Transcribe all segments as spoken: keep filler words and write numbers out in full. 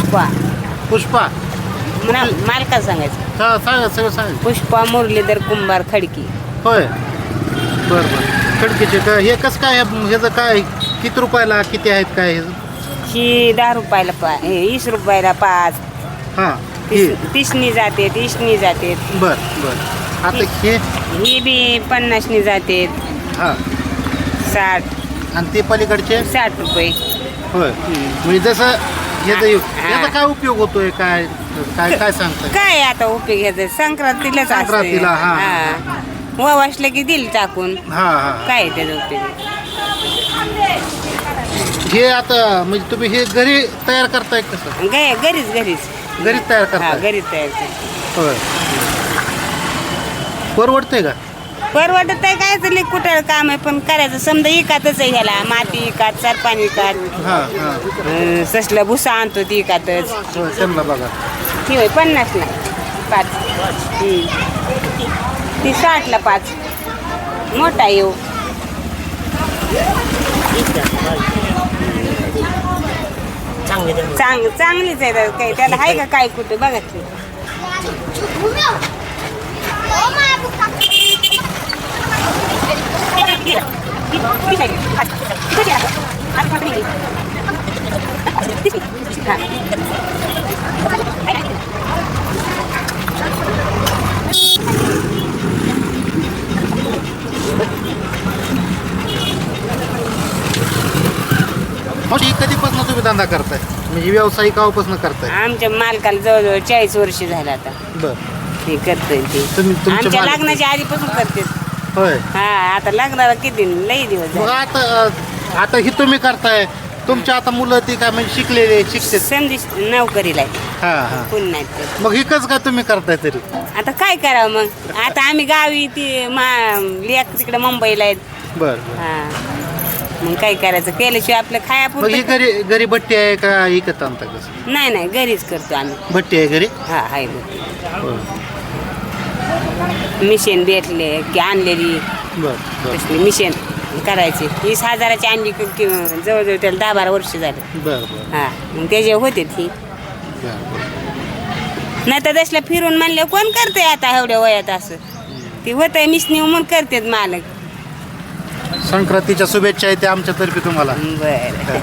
पुष्पा पुष्पा म्हणा मालका सांगायचं हा सांगा सगळं सांगा. पुष्पा मुरलीधर कुंभार खडकी. होय बरं बरं खडकीचे काय हे कसं काय ह्याचं काय किती रुपयाला किती आहेत काय ह्याचं? ही दहा रुपयाला पा हे वीस रुपयाला पाच. हां हे तीस तीसनी जाते तीसनी जाते. बरं बरं आता हे ही बी पन्नासनी जाते. हां साठ आणि ते पलीकडचे साठ रुपये. होय म्हणजे जसं ह्याचा याचा काय उपयोग होतोय काय काय काय सांगताय? काय आता उपयोग घ्यायचा संक्रांतीलाच असतंय. संक्रांतीला, हा. हा वावसलं की दिल टाकून हां हां काय त्याचा उपयोग. हे आता म्हणजे तुम्ही हे घरी तयार करताय कसं? ग घरीच घरीच घरीच तयार हा करताय? घरीच तयार करते. होय परवडतंय का? परवडत आहे काय तरी कुठं काम आहे पण करायचं समजा इकातच आहे ह्याला माती इकात सरपाणी इकात हां हां ससलं भुसा आणतो ती इकातच. होय त्यांना बघा ती होय पन्नासला पाच. हम्म. ती साठला पाच मोठा येऊ. चांग चांगलीच आहे काही त्याला आहे का काय कुठे बघा की. म्हणजे कधीपासून तुम्ही धंदा करताय म्हणजे व्यावसायिक कावापासून करताय? आमच्या मालकाला जवळजवळ चाळीस वर्ष झालं आता बर ते करतोय ते. तुम्ही तुमच्या आमच्या मालकी- लग्नाच्या आधीपासून करते. होय हा आता लग्नाला किती लई दिवस मग झाले. आता आता ही तुम्ही करताय तुमच्या आता मुलं ती काय म्हणजे शिकलेले शिकते? संधी नोकरीला आहे. हां हां कोण नाही ते. मग हिकच का तुम्ही करताय तरी? आता काय करावं मग आता आम्ही गावी ती मा लेक तिकडे मुंबईला आहेत. बर हा मग काय करायचं केल्याशिवाय आपलं मग ही खायापुरतं. घरी घरी भट्टी आहे का इकत आणता कसं? नाही नाही घरीच करतो आम्ही. भट्टी आहे घरी? हा आहे भट्टी. होय. मिशन भेटले की आणलेली बर बर तसली मिशन करायची वीस हजाराची आणली की की जवळजवळ त्याला दहा बारा वर्ष झाले. बर बर हा मग त्याचे होते ती बर नाही तर तसल्या फिरून म्हणले कोण करते आता एवढ्या वयात असं ती होतंय मिशनी म्हणून करतेत मालक. संक्रांतीच्या शुभेच्छा आहेत आमच्यातर्फे तुम्हाला. बरं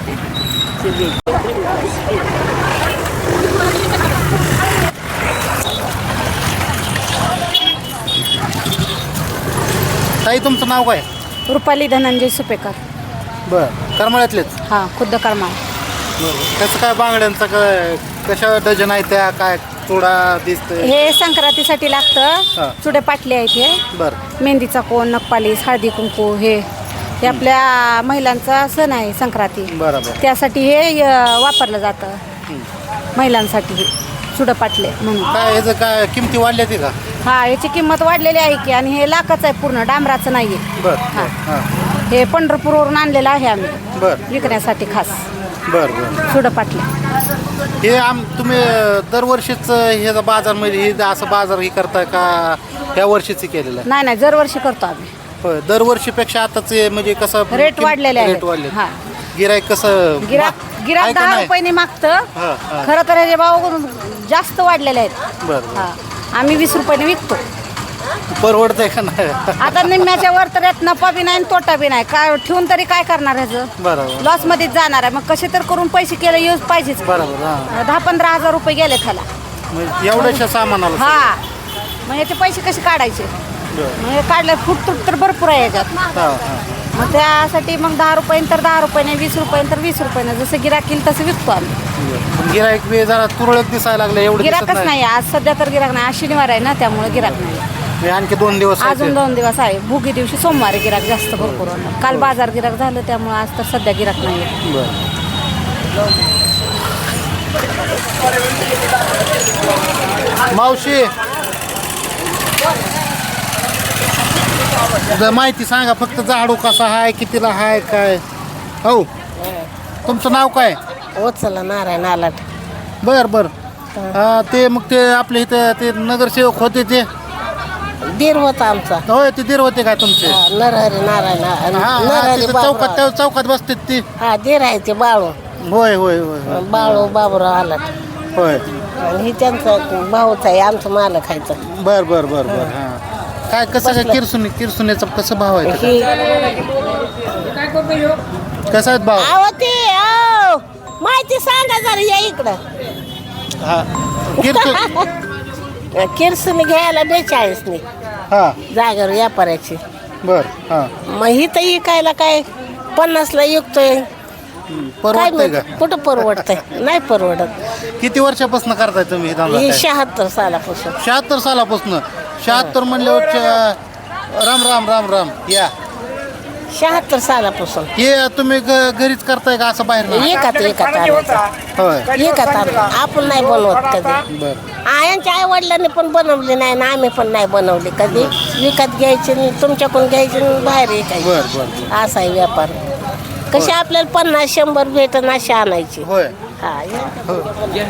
ताई तुमचं नाव काय? रुपाली धनंजय सुपेकर. बर करमाळ्यातलेच? हा खुद्द कर्मा. बरं त्याचं काय बांगड्यांचं काय कशा डझन आहे त्या काय थोडा दिसतंय? हे संक्रांतीसाठी हा. लागतं. चुडे पाटले आहेत हे. बरं मेहंदीचा कोण नखपालीस हळदी कुंकू हे हे आपल्या महिलांचा सण आहे संक्रांती. बरोबर त्यासाठी हे अ, वापरलं जातं महिलांसाठी हे चुडं पाटले म्हणून. काय ह्याचं काय किमती वाढल्या ते का? हा याची किंमत वाढलेली आहे की आणि हे लाखच आहे पूर्ण डांबराचं नाही आहे. बर हा. हां हे पंढरपूरवरून आणलेलं आहे आम्ही बर विकण्यासाठी खास बर बर चुडं पाटले. हे आम तुम्ही दरवर्षीच ह्याचा बाजारमध्ये हे असं बाजार हे करताय का ह्या वर्षीच केलेलं आहे? नाही नाही दरवर्षी करतो आम्ही. होय दरवर्षीपेक्षा आताच म्हणजे कसं रेट किम- वाढलेले रेट आहेत. वाढले. हा. गिराईक कसं गिराक आहे गिराक का दहा नाही? रुपयाने मागतं. हा, हा. खरं तर ह्याचे भाव जास्त वाढलेले आहेत. बरं बरं. हा आम्ही वीस रुपयाने विकतो. परवडतंय का नाही? आता निम्म्याच्या वर तर यात नफा बी नाही आणि तोटा बी नाही. काय ठेवून तरी काय करणार ह्याचं? बरोबर लॉस मध्येच जाणार आहे. मग कसे तर करून पैसे केले यूज पाहिजेच. बरोबर हां दहा पंधरा हजार रुपये गेले त्याला. म्हणजे एवढ्याशा सामानाला हा मग याचे पैसे कसे काढायचे? बरं. मग हे काढलं फुटतूट तर भरपूर आहे याच्यात. हां हां मग त्यासाठी मग दहा रुपयाने तर दहा रुपयाने वीस रुपयाने तर वीस रुपयाने जसं गिराक येईल तसं विकतो आम्ही. गिराईक बी जरा तुरळक दिसायला लागलं एवढं दिसत गिराकच नाही आज सध्या तर गिराक नाही. आज शनिवार आहे ना त्यामुळे गिराक नाही. हे आणखी दोन दिवस आहेत. अजून दोन दिवस आहे. भुगी दिवशी सोमवारी गिराक जास्त भरपूर होणार. काल बाजार गिराक झालं त्यामुळे आज तर सध्या गिराक नाही. बरं. मावशी जरा माहिती सांगा फक्त झाडू कसा आहे कितीला आहे काय? हो तुमचं नाव काय? वत्सला नारायण आलाट. बर बर हा, ते मग ते आपले इथं ते नगरसेवक होते ते दीर होता आमचा. होय ते दीर होते काय तुमचे? हा, नरहरी नारायण हा, आ- हा, नरहरी तिथं चौकात बाबूराव. त्या चौकात बसतात ती. हा दीर आहे ते बाळू होय होय होय होय. बाळू बाबूराव आलाट. होय आणि ही त्यांचा भाऊच आहे, आमचं मालक खायचं. बर बर बर बर हां काय कसं काय किरसुनी किरसुनीचा कसं भाव आहे ही कसा आहेत भाव अहो ते अहो, माहिती सांगा जरा या इकडं. हा किरसुन किरसून घ्यायला बेचाळीसने हां जागेवर व्यापाऱ्याची. बर हां मग ही तर इकायला काय पन्नासला विकतोय. काय परवडतंय का माहित, कुठं परवडतंय? नाही परवडत. किती वर्षापासून करताय तुम्ही हे धंदा ही काय? शहात्तर सालापासून. शहात्तर सालापासून शहात्तर म्हणल्यावर च- राम राम राम राम या शहात्तर सालापासून हे तुम्ही ग- घरीच करताय का असं बाहेर नाही? एकात एकात आणायचं. होय एकात आणलं आपण नाही बनवत कधी. बर आ, यांच्या आई वडिलांनी पण बनवले नाही ना आम्ही पण नाही बनवले कधी. विकत घ्यायचे आणि तुमच्याकडून घ्यायचे आणि बाहेर बर विकायचे. बर बर. असा आहे व्यापार. कशी आपल्याला पन्नास शंभर भेटन अशी आणायची. होय हा या.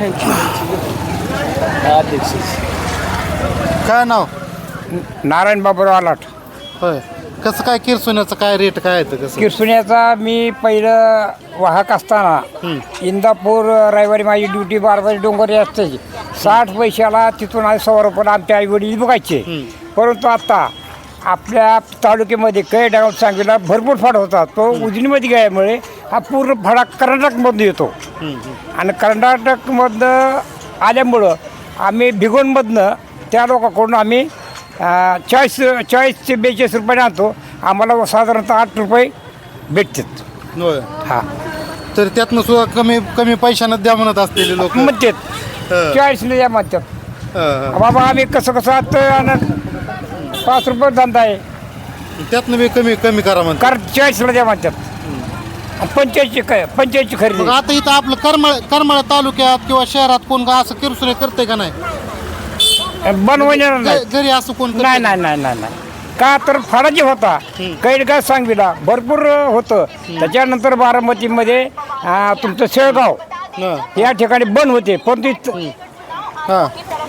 काय नाव नारायण बाबूराव आलाट. होय कसं काय किरसुन्याचं काय रेट काय येतं कसं किरसुण्याचा मी पहिलं वाहक असताना इंदापूर रविवारी माझी ड्युटी बाराबाजी डोंगरी असते. साठ पैशाला तिथून आज सव्वा रुपयाला आमच्या आई वडील बघायचे. परंतु आता आपल्या तालुक्यामध्ये कैडाव सांगलीला भरपूर फाड होता. तो उजनीमध्ये गेल्यामुळे हा पूर्ण फाडा कर्नाटकमधून येतो. आणि कर्नाटकमधनं आल्यामुळं आम्ही भिगवणमधनं त्या लोकांकडून आम्ही चाळीस चाळीस ते बेचाळीस रुपयाने आणतो. आम्हाला साधारणतः आठ रुपये भेटतात. होय हा तर त्यातनं सुद्धा कमी कमी पैशानं द्या म्हणत असलेले लोक म्हणतात चाळीसने द्या म्हणतात. बाबा आम्ही कसं कसं आता आणि पाच रुपये धंदा आहे त्यातनं बी कमी कमी करा म्हणतात. कारण चाळीसला द्या म्हणतात. पंचायतची काय पंचायतची मग खरेदी आता इथं आपलं करमाळ करमाळ तालुक्यात किंवा शहरात कोण का असं किरसुने करतंय का नाही बनवणार नाही. घ- घरी असं कोण करतंय? नाही नाही नाही नाही नाही का तर फाडा जे होता कैडगाव सांगवीला भरपूर होतं. त्याच्यानंतर बारामतीमध्ये अं, तुमचं शेळगाव हां या ठिकाणी बंद होते. पण ते हां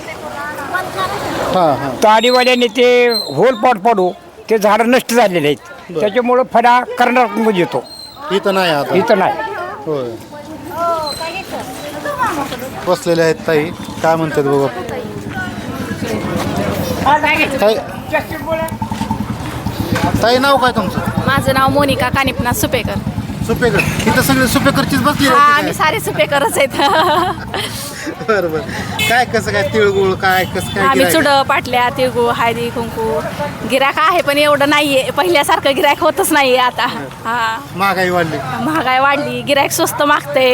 हां हां ताडीवाल्याने ते होल पाट पाडू ते झाडं नष्ट झालेले आहेत. त्याच्यामुळं फडा कर्नाटकमध्ये येतो. इथं नाही आता इथं नाही. होय बसलेले आहेत ताई काय म्हणतात बघा ताई ताई नाव काय तुमचं माझं नाव मोनिका कानिपनाथ सुपेकर. सुपेकर इथं सगळे सुपेकरचीच बसली हा आम्ही सारे सुपेकरच आहेत. बरं बरं काय कसं काय तिळगुळ काय कसं काय आम्ही गिऱ्हाईक? चुड पाटल्या तिळगुळ हळदी कुंकू गिराक आहे पण एवढं नाहीये. पहिल्यासारखं गिरायक होतच नाहीये आता. हा महागाई वाढली महागाई वाढली गिरायक स्वस्त मागते.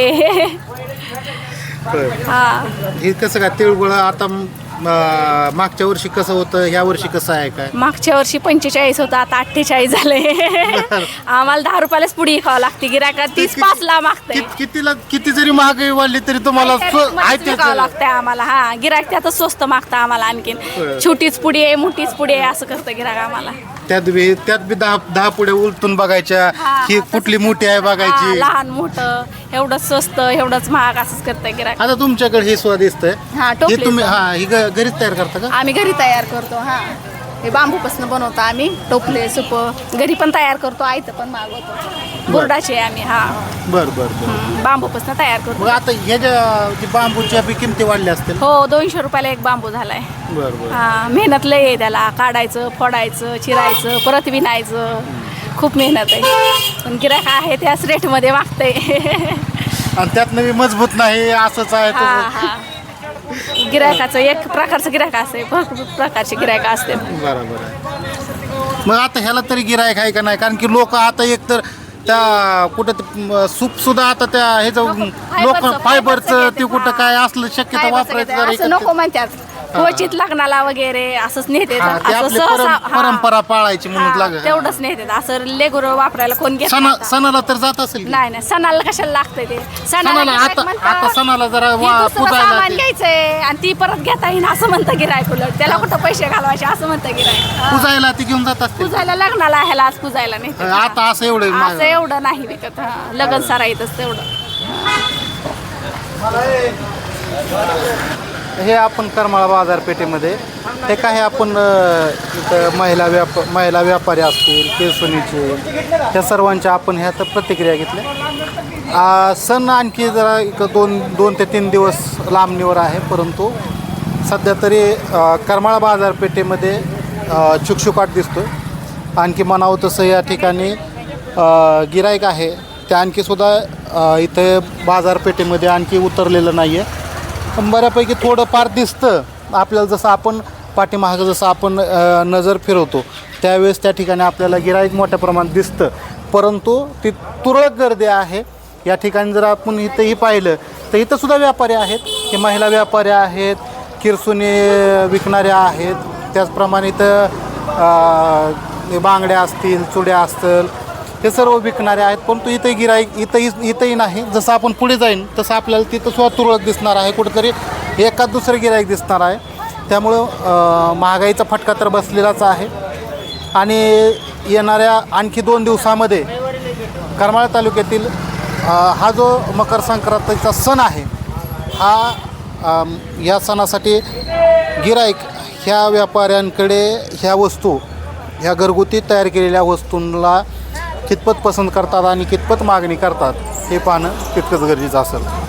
होय. हा हे कसं काय तिळगुळ आता अं, मागच्या वर्षी कसं होतं ह्या वर्षी कसं आहे काय मागच्या वर्षी पंचेचाळीस होतं आता अठ्ठेचाळीस झाले. आम्हाला दहा रुपयालाच पुडी खावं लागते. गिरायका तीस पाच ला मागते. कित- कितीला किती जरी महागाई वाढली तरी तुम्हाला स्व- आहे विकावं त्याचं- लागतंय आम्हाला. हा गिरायक त्यातच स्वस्त मागतं आम्हाला. आणखीन छोटीच पुडी आहे मोठीच पुडी आहे असं करतं गिरायक आम्हाला. त्यात बी त्यात बी दहा दहा पुढे उलटून बघायच्या हा, ही तसंच कुठली मोठी आहे हा, बघायची लहान मोठं एवढंच स्वस्त एवढंच महाग असंच करतंय गिरायक. आता तुमच्याकडे हे स्वादिष्ट हा, आहे टोपली हे तुम्ही आहे. हा ही ग- घरीच तयार करता का आम्ही घरी तयार करतो. हा हे बांबूपासून बनवतो आम्ही. टोपले सुप घरी पण तयार करतो. आयतं पण मागवतो. बोर्डाचे आम्ही हा बर बर बर हं, बांबूपासून तयार करतो. मग आता ह्याच्या जे बांबूच्या बी किमती वाढल्या असतील हो दोनशे रुपयाला एक बांबू झालाय. बर बर हा मेहनत लय आहे त्याला. काढायचं फोडायचं चिरायचं परत विणायचं खूप मेहनत आहे. पण गिरायक आहे त्याच रेटमध्ये मागते. आणि त्यात नवी मजबूत नाही असंच आहे हा तसं. हा गिरायकाचं एक प्रकारचं गिरायक असते. भरपूर प्रकारचे गिरायक असते. बरोबर आहे मग आता ह्याला तरी गिरायक आहे का नाही कारण की लोक आता एक तर त्या कुठं ते, म, सूप सुद्धा आता त्या ह्याचं लोक फायबरचं फायबरचं ते घेतात. कुठं हा. काय असलं शक्यता काय वापरायचं बसायचं, जरा असं नको एकत्र- म्हणतात. क्वचित लग्नाला वगैरे असंच नेते. हा, ते आपली परं- परंपरा पाळायची म्हणून लाग तेवढंच नेते. असं लेगुर वापरायला कोण घेत सणा नाही आता. सणाला तर जात असेल की? नाही नाही सणाला कशाला लागतंय ते. सणाला गिऱ्हाईक आता म्हणतं, आता सणाला जरा हे वा- दुसरं पुजायला सामान ते- घ्यायचंय आणि ती परत घेता येईन असं म्हणतं गिरायक. उलट त्याला कुठं पैसे घालवायचे असं म्हणतं गिरायक. पुजायला ती घेऊन जात असतील पूजायला लग्नाला ह्याला आज पूजायला नेते. आता असं एवढं असं महाग- एवढं नाही विकत. हा. लग्न सराईतच तेवढं. हे आपण करमाळा बाजारपेठेमध्ये हे काही आपण अ, इथं महिला व्याप महिला व्यापारी असतील किरसुनीचे त्या सर्वांच्या आपण ह्या तर प्रतिक्रिया घेतल्या आ, सण आणखी जरा एक दोन दोन ते तीन दिवस लांबणीवर आहे, परंतु सध्या तरी अ, करमाळा बाजारपेठेमध्ये अ, शुकशुकाट दिसतो. आणखी म्हणावं तसं या ठिकाणी गिराईक आहे ते आणखीसुद्धा अ, इथे बाजारपेठेमध्ये आणखी उतरलेलं नाही आहे. पण बऱ्यापैकी थोडंफार दिसतं आपल्याला, जसं आपण पाठीमागं जसं आपण अ, नजर फिरवतो त्यावेळेस त्या ठिकाणी आपल्याला गिराईक मोठ्या प्रमाणात दिसतं, परंतु ती तुरळक गर्दी आहे. या ठिकाणी जर आपण इथंही पाहिलं तर इथंसुद्धा व्यापारी आहेत, की महिला व्यापारी आहेत, किरसुनी विकणाऱ्या आहेत, त्याचप्रमाणे इथं अ, बांगड्या असतील, चुड्या असतील, हे सर्व विकणारे आहेत. परंतु इथंही गिराईक इथंही इथंही नाही. जसं आपण पुढे जाईन तसं आपल्याला तिथं सुद्धा तुरळक दिसणार आहे, कुठंतरी एकाच दुसरं गिराईक दिसणार आहे. त्यामुळं अ, महागाईचा फटका तर बसलेलाच आहे. आणि येणाऱ्या आणखी दोन दिवसामध्ये करमाळा तालुक्यातील अ, हा जो मकर संक्रांतीचा सण आहे, हा अम, या सणासाठी गिराईक ह्या व्यापाऱ्यांकडे ह्या वस्तू, ह्या घरगुती तयार केलेल्या वस्तूंना कितपत पसंत करतात आणि कितपत मागणी करतात हे पाहणं तितकंच गरजेचं असेल.